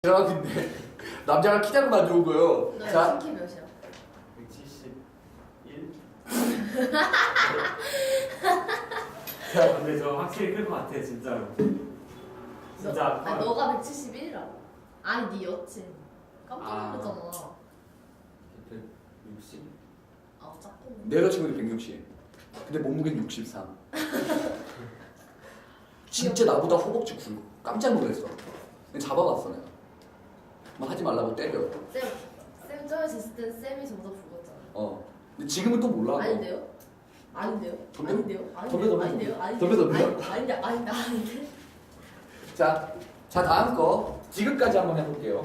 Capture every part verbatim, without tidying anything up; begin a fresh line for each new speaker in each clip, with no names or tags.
대박인데 남자가 키 작은 만들어 온 거예요.
너
자,
키 몇이야?
백칠십일?
자,
근데 저 확실히 클 것 같아 진짜로. 진짜
너,
커요.
아니 너가 백칠십일이라고. 아니 네 여친. 깜짝
아.
놀랐잖아.
백육십?
아 작고.
내 여자친구도 백육십. 근데 몸무게는 육십삼. 진짜 나보다 허벅지 굵고 깜짝 놀랐어. 근데 잡아봤어 내가. 막 하지 말라고 때려.
쌤, 쌤 처음에 있을 땐 쌤이 저보다 굵었잖아.
어. 근데 지금은 또 몰라. 너.
아닌데요? 아닌데요?
덤벼?
아닌데요?
덤벼, 덤벼,
아닌데요?
덤벼.
아닌데요?
덤벼, 덤벼.
아니, 아닌데 아닌데 아닌데.
자, 자 다음 거 지금까지 한번 해볼게요.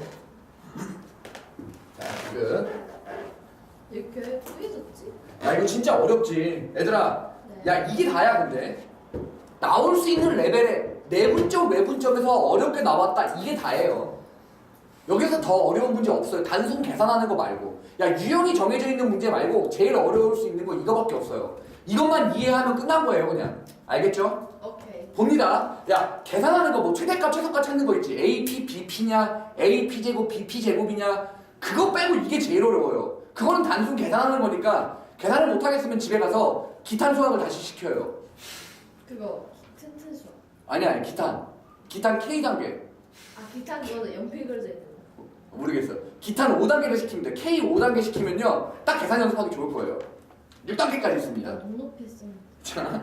자, 지금.
이렇게 뿌얘졌지?
야 이거 진짜 어렵지. 얘들아,
네.
야 이게 다야 근데. 나올 수 있는 레벨에 내분점 외분점에서 어렵게 나왔다 이게 다예요. 여기서 더 어려운 문제 없어요. 단순 계산하는 거 말고. 야 유형이 정해져 있는 문제 말고 제일 어려울 수 있는 거 이거밖에 없어요. 이것만 이해하면 끝난 거예요 그냥. 알겠죠?
오케이.
봅니다. 야 계산하는 거 뭐 최대값 최소값 찾는 거 있지. 에이피 비피냐 에이피 제곱 비피 제곱이냐 그거 빼고 이게 제일 어려워요. 그거는 단순 계산하는 거니까 계산을 못하겠으면 집에 가서 기탄 수학을 다시 시켜요.
그거 튼튼 수학.
아니야 아니, 기탄 기탄 K 단계
아 기타 그거는 연필 그려져 있는 거.
모르겠어. 기탄 오 단계를 시키면 돼. K 오 단계 시키면요 딱 계산 연습하기 좋을 거예요. 육 단계까지
나
있습니다.
눈높이 했었는데.
자,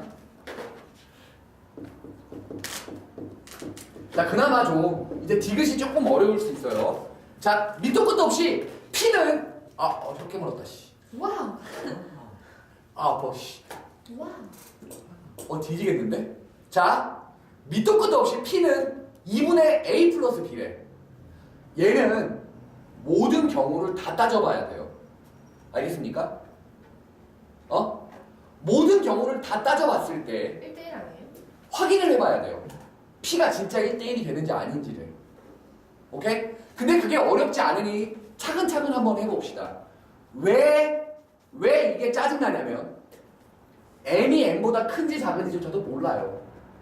자 그나마 좀 이제 디귿이 조금 어려울 수 있어요. 자 밑도 끝도 없이 P는 아 어, 혀 깨물었다 씨.
와우.
아 아파 씨.
와우.
어 뒤지겠는데? 자 밑도 끝도 없이 P는 이분의 A 플러스 B래. 얘는 모든 경우를 다 따져봐야 돼요. 알겠습니까? 어? 모든 경우를 다 따져봤을 때
일 대 일 아니에요?
확인을 해봐야 돼요. P가 진짜 일 대 일이 되는지 아닌지를. 오케이? 근데 그게 어렵지 않으니 차근차근 한번 해봅시다. 왜, 왜 이게 짜증나냐면 M이 N보다 큰지 작은지 저도 몰라요.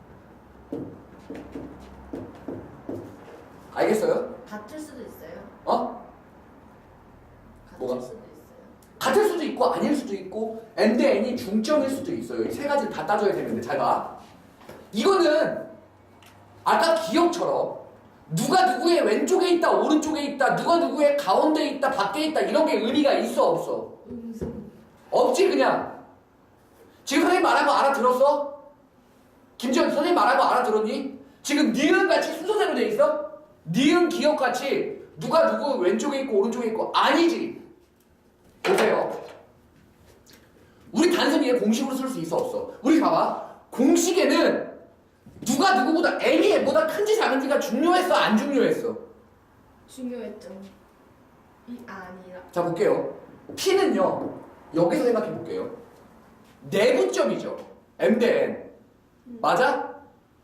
알겠어요?
같을 수도 있어요.
어?
같을
뭐가?
수도 있어요.
같을 수도 있고 아닐 수도 있고 M 대 N이 중점일 수도 있어요. 이 세 가지를 다 따져야 되는데 잘 봐. 이거는 아까 기억처럼 누가 누구의 왼쪽에 있다 오른쪽에 있다 누가 누구의 가운데에 있다 밖에 있다 이런 게 의미가 있어 없어?
음성.
없지 그냥. 지금 선생님 말한 거 알아들었어? 김지현 선생님 말한 거 알아들었니? 지금 니은 같이 순서대로 돼 있어? 니은 기억 같이 누가 누구 왼쪽에 있고 오른쪽에 있고 아니지. 보세요. 우리 단순히 얘 공식으로 쓸 수 있어 없어? 우리 봐봐. 공식에는 누가 누구보다 M이 M보다 큰지 작은지가 중요했어 안 중요했어?
중요했죠. 이 아니라.
자 볼게요. P는요 여기서 생각해 볼게요. 내분점이죠. M 대 N 맞아?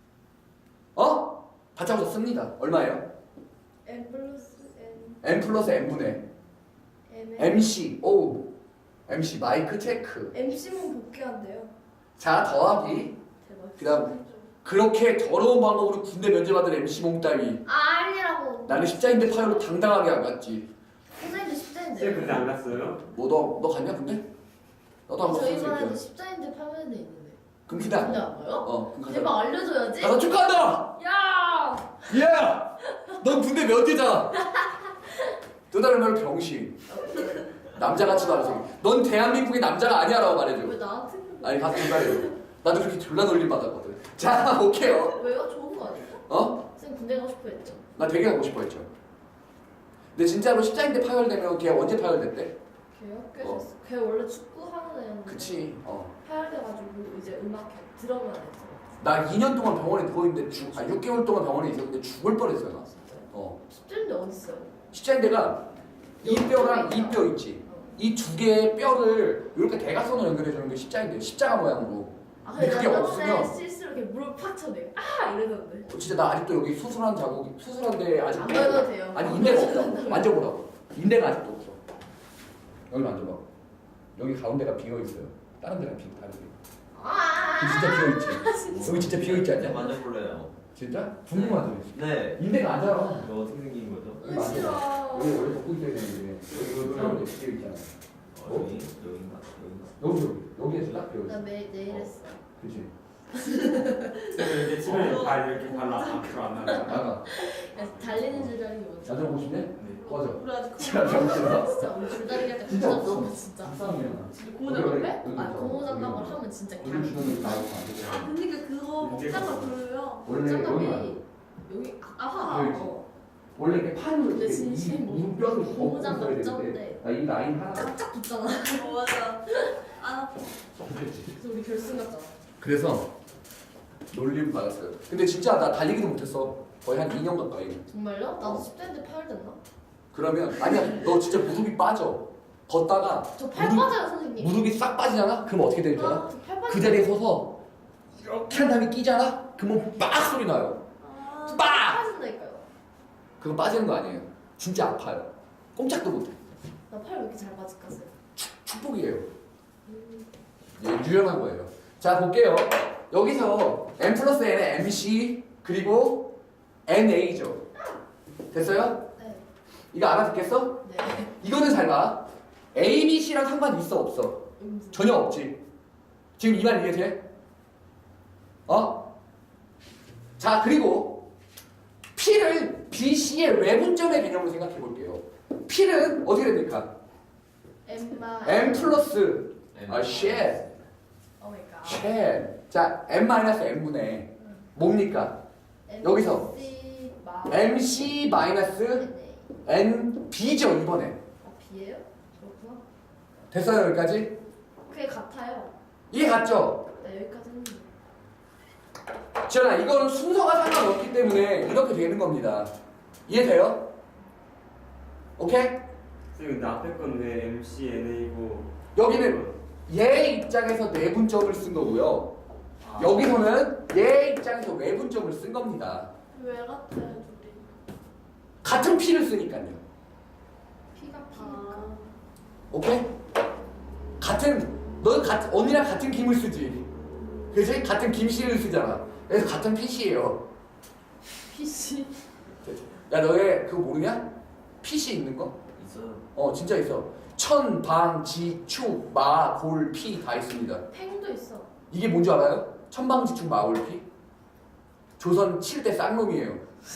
어? 받자마자 씁니다. 얼마예요?
n 플러스 n.
N 플러스 N분의
n
엠씨 오 엠씨 마이크 체크.
엠씨만 복귀한대요.
자 더하기
대박.
그다음 그렇게 더러운 방법으로 군대 면제 받은 엠씨 몽 따위
아 아니라고.
나는 십자인대 파열로 당당하게 안 갔지.
선생님도
쌤
십자인데.
근데 안 갔어요?
뭐 너 너 갔냐 근데? 너도 안 갔어
저희
새끼야.
반에도 십자인대 파면에 있는데.
그럼 그다.
근데 안 가요?
어 그럼 가자.
대박 알려줘야지.
가서 축하한다.
야.
야, 넌 군대 면제자. 또 다른 말로 병신. 남자 같지도 않은 새끼. 넌 대한민국의 남자가 아니야라고 말해줘.
왜 나한테? 그래?
아니 가서 기다려. 나도 그렇게 졸라 놀림 받았거든. 자 볼게요.
왜요? 좋은 거 아니에요?
어?
쌤 군대 가고 싶어 했죠.
나 되게 가고 싶어 했죠. 근데 진짜로 십자인대 파열되면 걔 언제 파열됐대?
걔요? 꽤
어.
됐어. 걔 원래 축구 하는 애였는데.
그치. 어.
파열돼가지고 이제 음악 들어만 했어.
나 이 년 동안 병원에 누워있는데 죽, 아 육 개월 동안 병원에 있었는데 죽을 뻔했어요 나.
진짜요?
어.
십자인대 어디 있어요?
십자인대가 이 뼈랑 이 뼈 있지.
어.
이 두 개의 뼈를 이렇게 대각선으로 연결해주는 게 십자인대. 십자가 모양으로.
아
근데
근데
그게
나
없으면
저번에 실수로 이렇게 물을 팍 쳐내. 아 이러던데.
어, 진짜 나 아직도 여기 수술한 자국 수술한데 아직
안 만져도 돼요.
아니 인대가 없다고. 만져보라고. 인대가 아직도 없어. 여기 만져봐. 여기 가운데가 비어 있어요. 다른 데랑 비 다른 데.
아.
여기 진짜 비어 있지. 여기 진짜 비어 있지 않냐?
만져볼래요.
진짜? 궁금하지?
네.
인대가 안 자라.
이거 어떻게 생긴 거죠?
으, 싫어.
여기 원래 벗고 있어야 되는데 여기 여기 이렇게 되어 있잖아.
어, 여기 여기인가 여기인가.
여기 여기 여기에서 딱 되어
나
있어.
매일 내일 했어.
그렇지.
근데 집에 발 이렇게 발라 앞으로 안 나가.
나가.
야, 달리는 줄다리기 뭔지.
나도 보고 싶네?
네.
꺼져.
우리 아직
진짜 정신아.
진짜 우리 줄다리기 할때
진짜
고무장
없어.
가면 진짜.
박상이야.
진짜 고무장
여기,
왜?
여기
아
있어.
고무장
여기
을
있어.
하면 진짜
우리
그냥.
주는 나오고 안 돼.
그러니까 그거 목장을 부르요.
원래 여기
장갑이
말고
여기 아하.
여기 있지.
어.
원래 이렇게 판으로
근데
이렇게
진심
이-
뭐
이 뼈를
고무장
엎고 있어야
납작인데.
되는데 아, 이 라인 하나
쫙쫙 붙잖아.
어, 맞아. 아,
그래서 우리 결승 갔잖아.
그래서 놀림 받았어요. 근데 진짜 나 달리기도 못했어. 거의 한 이 년 가까이.
정말요? 나도 십 대인데 파열됐나?
그러면 아니야 너 진짜 무릎이 빠져. 걷다가
저 팔
무릎-
빠져요 선생님.
무릎이 싹 빠지잖아? 그럼 어떻게 되는 줄 알아?
아, 저팔 빠져.
그 자리에 서서 이렇게 한 다음에 끼잖아? 그러면 빡 소리 나요.
아,
빡!
빠진다니까요.
그거 빠지는 거 아니에요. 진짜 아파요. 꼼짝도 못해.
나 팔 왜 이렇게 잘 빠질까?
축복이에요. 예, 유연한 거예요. 자 볼게요. 여기서 n 플러스 n의 엠씨 그리고 엔에이죠. 됐어요?
네.
이거 알아듣겠어?
네.
이거는 잘 봐. A, B, C랑 상관 있어 없어?
음수.
전혀 없지. 지금 이 말 이해돼? 어? 자 그리고 P를 B, C의 외분점의 개념으로 생각해 볼게요. P는 어떻게 됩니까?
엠마.
M 플러스 아 shit,
오 마이 갓.
shit. 자 M 마이너스 M분의 뭡니까? 여기서
엠씨 마.
엠씨 마이너스
네.
엔비죠 이번에.
어 B예요? 그렇구나.
됐어요 여기까지?
그게 같아요.
이해 갔죠?
나 여기까지 했는데.
지현아 이거는 순서가 상관없기 때문에 이렇게 되는 겁니다. 이해돼요? 오케이?
선생님 근데 앞에 건 왜 엠씨 엔에이고
여기는 얘 입장에서 내분점을 쓴 거고요.
아,
여기서는 얘 입장에서 외분점을 쓴 겁니다.
왜 같아요, 둘이?
같은 P를 쓰니까요.
P가 P니까.
아,
오케이? 같은 너 같은 언니랑 같은 김을 쓰지. 그지? 같은 김씨를 쓰잖아. 그래서 같은 피씨예요.
P씨.
야 너네 그거 모르냐? 피씨 있는 거?
있어요.
어 진짜 있어. 천, 방, 지, 축, 마, 골, 피 다 있습니다.
팽도 있어.
이게 뭔지 알아요? 천방지축 마골피? 조선 칠 대 쌍놈이에요.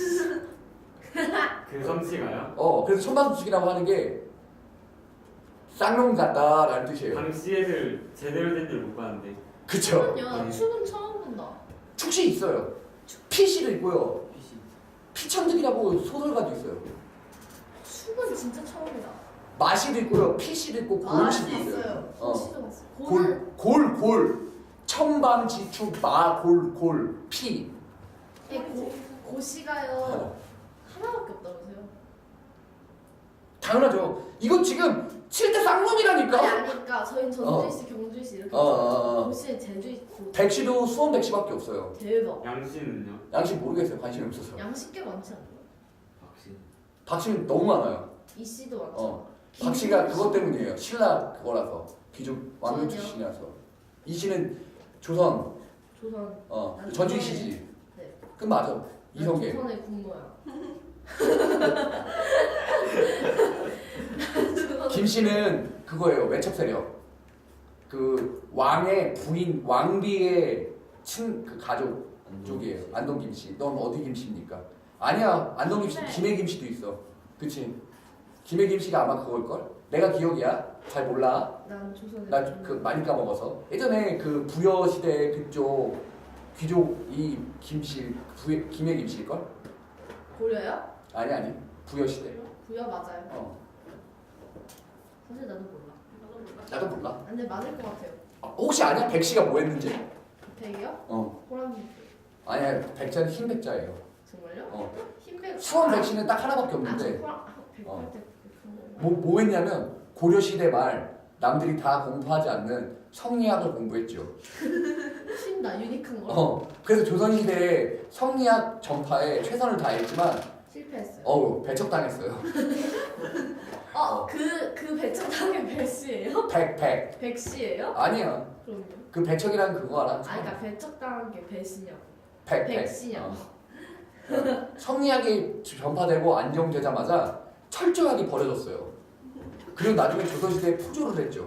그 성씨가요?
어 그래서 천방지축이라고 하는 게 쌍놈 같다라는 뜻이에요.
당시 애들 제대로 된 줄 못 봤는데.
그쵸?
추는요. 추는 처음 본다.
축시 있어요. 피씨도 있고요.
피씨.
피천득이라고 소설가도 있어요.
축은 진짜 처음이다.
마시도 있고요. 피씨도 있고 골씨도
마시
있어요.
있어요.
어.
시도 봤어. 고는
골, 골, 골. 천방지축 마, 골, 골, 피.
이 고, 고시가요. 하나밖에 없다면서요?
당연하죠. 이거 지금 칠 대
아니
쌍놈이라니까.
아니 그러니까 저희는 전주시, 경주시 이렇게
어, 어, 어.
고시에 제주시 고
백시도 수원 백시밖에 없어요.
대박.
양씨는요?
양식 모르겠어요. 관심이 없어서.
양식 꽤 많지 않나요?
박씨.
박씨는 너무 많아요.
이씨도 많죠.
어. 박씨가 그것 때문이에요. 신라 그거라서 귀족 왕족
저는요?
출신이라서. 이 씨는 조선
조선.
어
난
전주희
조선에-
씨지.
네.
그 맞아.
난
이성계.
조선의 군모야.
김 씨는 그거예요. 외척 세력. 그 왕의 부인 왕비의 친 그 가족 쪽이에요. 안동 김 씨. 넌 어디 김 씨입니까? 아니야. 안동 김 씨,
김해.
김해 김 씨도 있어. 그치? 김해 김 씨가 아마 그걸 걸. 내가 기억이야. 잘 몰라.
난 조선의
나
군모.
그 많이 까먹어서. 예전에 그 부여 시대 그쪽 귀족 이 김씨 부여 김해 김 씨일 걸?
고려요?
아니 아니. 부여 시대.
부여 맞아요.
어.
사실 나도 몰라.
나도 몰라.
나도 몰라.
근데 맞을 것 같아요.
아, 혹시 아냐? 백 씨가 뭐 했는지?
백이요?
어.
호랑이.
아니야. 백자는 흰 백자예요.
정말요?
어.
흰백.
수원 백 씨는 딱 하나밖에
아, 저
없는데
호랑. 아, 백할
어.
때.
뭐, 뭐 했냐면 고려 시대 말 남들이 다 공부하지 않는 성리학을 공부했죠.
신나 유니크한 거.
어. 그래서 조선 시대에 성리학 전파에 최선을 다했지만
실패했어요.
어우 배척당했어요.
어, 그, 그 배척당의 배씨예요?
백 백.
백씨예요?
아니야.
그럼요.
그 배척이라는 그거 알아?
아니, 그러니까 배척당한 게 배씨냐고.
백 백.
백씨냐고.
어. 성리학이 전파되고 안정되자마자 철저하게 버려졌어요. 그리고 나중에 조선시대에 포조를 했죠.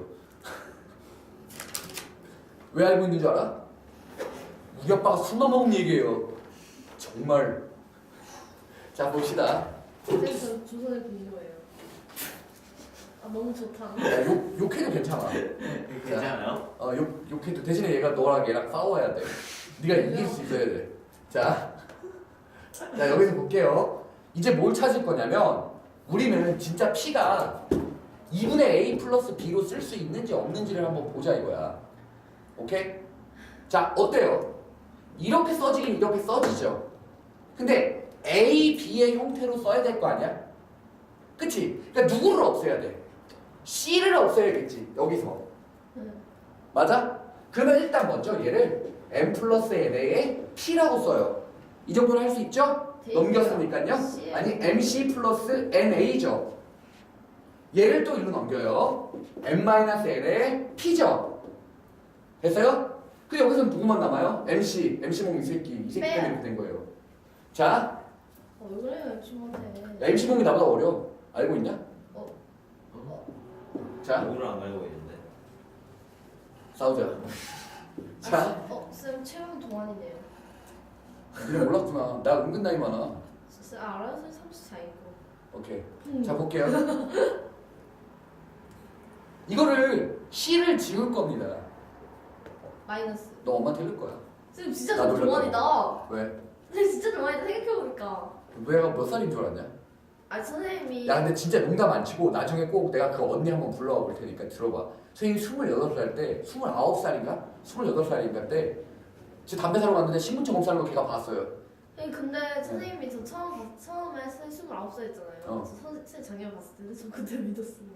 왜 알고 있는 줄 알아? 우리 아빠가 술만 먹은 얘기예요. 정말. 자 봅시다.
근데 저 조선의 분노예요. 아 너무 좋다.
야, 욕, 욕해도 괜찮아.
괜찮아요?
어, 욕, 욕해도 대신에 얘가 너랑 얘랑 싸워야 돼. 네가 이길 수 있어야 돼. 자, 자 여기서 볼게요. 이제 뭘 찾을 거냐면 우리는 진짜 P가 이분의 A 플러스 B로 쓸 수 있는지 없는지를 한번 보자 이거야. 오케이? 자 어때요? 이렇게 써지긴 이렇게 써지죠. 근데 A, B의 형태로 써야 될 거 아니야? 그치? 그러니까 누구를 없애야 돼? C를 없애야겠지 여기서. 맞아? 그러면 일단 먼저 얘를 M 플러스 N의 P라고 써요. 이 정도는 할 수 있죠? 넘겼으니까요. 아니 엠씨 플러스 엔에이죠. 얘를 또 이로 넘겨요. M-N의 P죠. 됐어요? 그 여기서는 누구만 남아요? 엠씨, 엠씨몽 이 새끼, 이 새끼 때문에 이렇게 된 거예요. 자,
어, 왜 그래요 친구한테?
야, 엠씨몽이 나보다 어려. 알고 있냐?
어.
자,
누구를 안 갈고 있는데.
싸우자. 자,
어, 쌤 체형 동안이네요.
니네 몰랐구나. 나 은근 나이 많아.
쌤 알아요? 쌤 삼십사이고.
오케이.
음.
자, 볼게요. 이거를 C를 지울 겁니다.
마이너스.
너 엄마한테 읽을 거야.
쌤 진짜
나도
좀 동안이다.
왜?
쌤 진짜 동안이다 생각해보니까.
너희가 몇 살인 줄 알았냐?
아 선생님이.
야 근데 진짜 농담 안 치고 나중에 꼭 내가 그 언니 한번 불러와 볼 테니까 들어봐. 선생님이 스물여덟 살 때, 스물아홉 살인가? 스물여덟 살인가 때 제 담배 사러 갔는데 신분증 없다는 거 걔가 봤어요.
네, 근데 선생님이 저 처음 봤- 처음에 쌤 스물아홉 살이잖아요.
어.
저 선, 쌤 작년 봤을 때는 저 그때 믿었어요.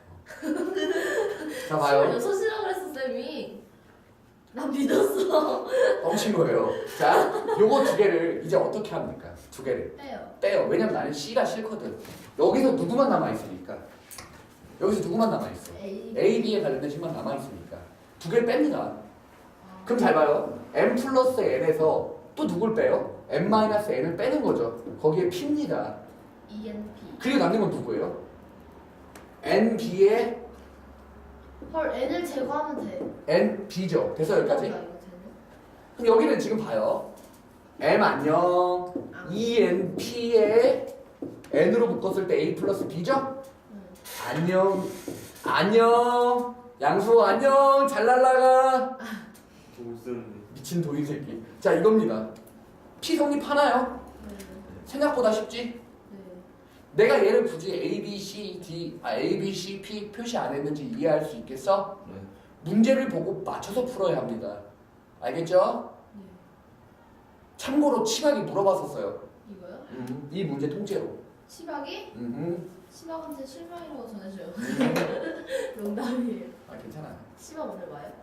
자 봐요.
스물여섯이라고 그랬어 쌤이. 난 믿었어.
뻥친 거예요. 자 요거 두 개를 이제 어떻게 합니까? 두 개를
빼요.
빼요. 왜냐면 나는 C가 싫거든. 여기서 누구만 남아있으니까. 여기서 누구만 남아있어.
A.
A, B에 관련된 식만 남아있으니까 두 개를 뺍니다.
아.
그럼 잘 봐요. M 플러스 N에서 또 누굴 빼요? M-N을 빼는 거죠. 거기에 P입니다.
E N P.
그리고 남는 건 누구예요? N, B에
헐 N을 제거하면 돼.
N, B죠. 돼서 여기까지?
아, 이거 되네.
그럼 여기는 지금 봐요. M 안녕.
아.
E, N, P에 N으로 묶었을 때 A 플러스 B죠?
응.
안녕. 안녕. 양수 안녕. 잘 날라가.
무슨
미친 도인 새끼. 자 이겁니다. P 성립하나요?
네.
생각보다 쉽지?
네.
내가 얘를 굳이 A, B, C, D, 아, A, B, C, P 표시 안 했는지 이해할 수 있겠어?
네.
문제를 보고 맞춰서 풀어야 합니다. 알겠죠?
네.
참고로 치박이 물어봤었어요.
이거요?
음, 이 문제 통째로.
치박이?
음,
치박한테 실망이라고 전해줘요. 농담이에요.
아 괜찮아요.
치박 오늘 와요?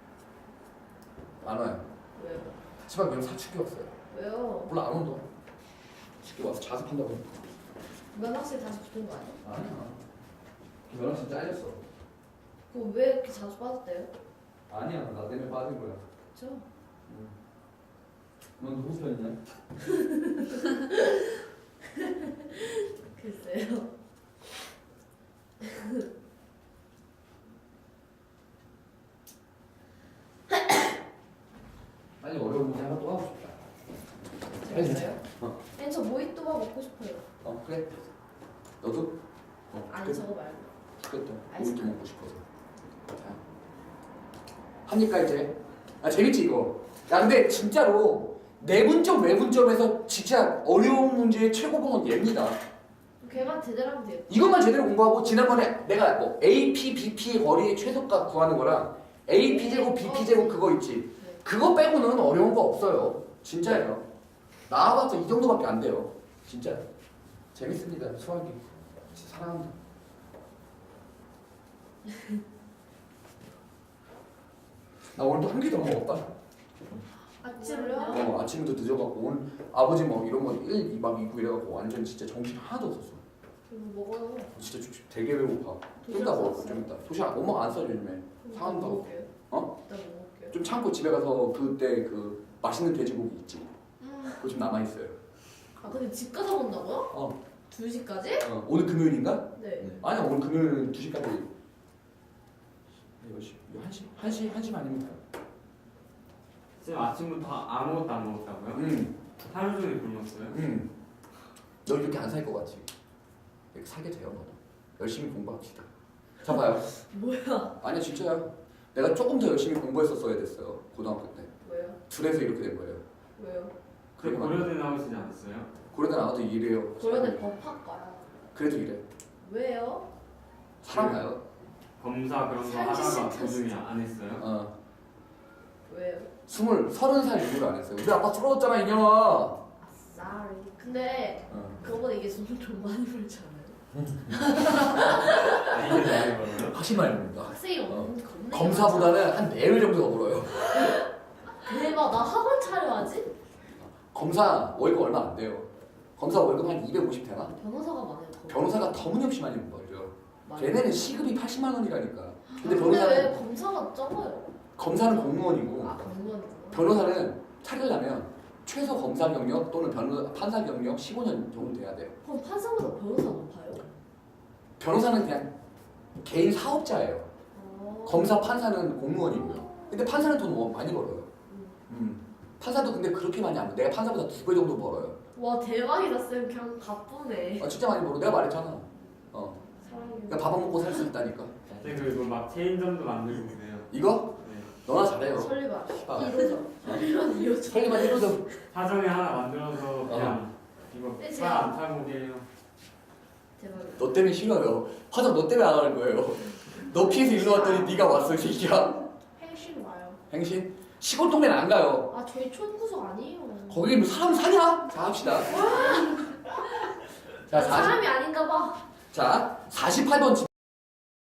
안 와요.
왜요?
치박 그냥 사춘기 왔어요.
왜요?
몰라 안 온다. 쉽게 와서 자습한다고.
면허실 다시 붙은 거 아니야?
아니야. 너랑 진짜 잘렸어.
그거 왜 이렇게 자주 빠졌대요?
아니야 나 때문에 빠진 거야.
그쵸?
넌 누구 편이냐?
글쎄요.
빨리 어려운 문제 하나 또 하고 싶다.
재밌어요?
어.
아니 저 모히또가 먹고 싶어요.
어 그래. 너도? 어
아니 저거 말고.
그것도
아이스크림.
우유도 먹고 싶어서. 자 합니까 이제? 아 재밌지 이거. 야 근데 진짜로 내분점 외분점에서 진짜 어려운 문제의 최고봉은 얘입니다.
걔만 제대로 하면 돼요.
이것만 제대로 공부하고 지난번에 내가 뭐 A P, B P의 거리의 최소값 구하는 거랑 A P 제곱, B P 제곱 그거 있지.
네.
그거 빼고는 어려운 거 없어요. 진짜예요. 나와봤자 이 정도밖에 안 돼요. 진짜 재밌습니다. 수학이 진짜 사랑합니다. 나 오늘 또 한 끼도 안 먹었다.
아침을요?
어, 아침부터 늦어갖고 오늘 아버지 뭐 이런 거 일, 이 박 이 구 이래갖고 완전 진짜 정신 하나도 없었어.
이거 먹어요.
진짜 주- 되게 배고파. 좀 이따 먹을 거좀 이따. 도시락 엄마가 안 싸줘 요즘에. 사간다고.
먹을게요.
어?
이따 먹을게요.
좀 참고 집에 가서 그때 그 맛있는 돼지고기 있지.
음.
그거 좀 남아 있어요.
아 근데 집 가서 본다고요?
어,
두 시까지?
어. 오늘 금요일인가?
네.
아니야, 오늘 금요일은 두 시까지. 몇 시? 한 시? 한 시? 한 시면 아닙니까?
쌤 아침부터 아무것도 안 먹었다고요?
응,
하루 종일 굶었어요?
응. 너 이렇게 안 살 것 같지? 이렇게 살게 돼요, 너도. 열심히 공부합시다. 자, 봐요.
뭐야?
아니야, 진짜야. 내가 조금 더 열심히 공부했었어야 됐어요, 고등학교 때.
왜요?
둘에서 이렇게 된 거예요.
왜요?
그 고려대 나오시지 않았어요?
고려대 나와도 이래요.
고려대 법학과요.
그래도 이래.
왜요?
사랑가요?
검사 그런 거
살기
하다가
싫다,
도중에
진짜.
안 했어요?
어.
왜요?
스물, 서른 살 이후로 안 했어요. 우리 아빠 쓰러졌잖아, 이년아.
쌀. 근데
어.
그거보다 이게 좀, 좀 많이 벌지 않아요?
아, 이게 나이 벌어요?
하지 말입니다.
학생이
어.
없는 겁나.
검사보다는 한 네 배 정도 더 벌어요.
대박. 나 학원 차려야지.
검사 월급 얼마 안 돼요. 검사 월급 한 이백오십 되나?
변호사가 많아요. 더.
변호사가 터무니없이 많이 벌죠.
많아요.
걔네는 시급이 팔십만 원이라니까. 근데
근데 왜
변호사는
검사가 적어요?
검사는 공무원이고
아 공무원이구나.
변호사는 차리려면 최소 검사 경력 또는 변호 판사 경력 십오 년 정도 돼야 돼요.
그럼 판사보다 변호사 높아요?
변호사는 그냥 개인 사업자예요.
어.
검사, 판사는 공무원이고요. 근데 판사는 돈 너무 많이 벌어요.
음.
음. 판사도 근데 그렇게 많이 안 벌어. 내가 판사보다 두 배 정도 벌어요.
와 대박이다 쌤. 그냥 바쁘네.
아, 진짜 많이 벌어. 내가 말했잖아. 어.
사랑해요.
그러니까 밥 안 먹고 살 수 있다니까.
쌤 그리고 막 체인점도 만들고 그래요.
이거?
네.
너나 잘해요.
설리반
아.
이로죠. 설리반 이로죠.
설리만 해줘도
사정에 하나 만들어서 그냥 이거
네,
차 안 타고 게요.
대박이다.
너 때문에 싫어요. 화장 너 때문에 안 하는 거예요. 너 피해서 일로 왔더니 네가 왔어, 이 새끼야.
행신 와요.
행신? 시골 동네는 안 가요.
아 저희 촌구석 아니에요.
거기 뭐 사람 사냐? 자, 합시다. 자,
난
사십,
사람이 아닌가 봐.
자, 사십팔 번